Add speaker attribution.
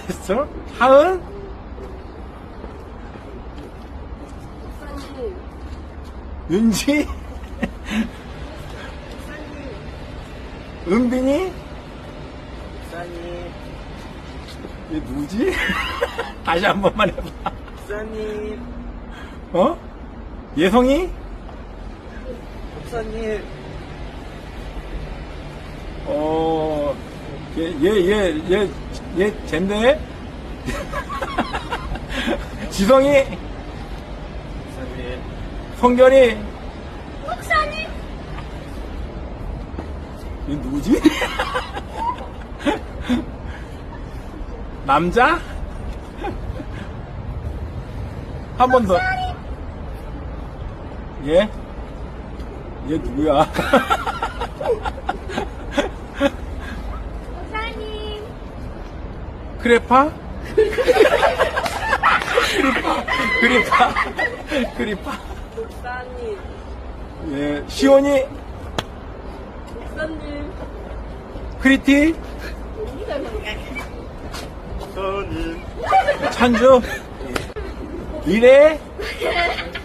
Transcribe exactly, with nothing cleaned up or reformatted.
Speaker 1: 됐어? 하은?
Speaker 2: 목사님.
Speaker 1: 윤지? 은빈이?
Speaker 3: 목사님,
Speaker 1: 얘 누구지? 다시 한 번만 해봐.
Speaker 3: 목사님,
Speaker 1: 어? 예성이?
Speaker 3: 목사님,
Speaker 1: 어, 얘, 얘, 얘, 얘, 얘, 젠데? 지성이?
Speaker 3: 목사님,
Speaker 1: 성결이?
Speaker 2: 목사님.
Speaker 1: 얘 누구지? 남자? 한 번 더. 얘? 얘 누구야?
Speaker 2: 목사님.
Speaker 1: 크레파? 크리파? 크리파? 크리파?
Speaker 2: 목사님.
Speaker 1: 예, 시온이?
Speaker 2: 목사님.
Speaker 1: 크리티?
Speaker 3: 목사님,
Speaker 1: 찬주? 미래?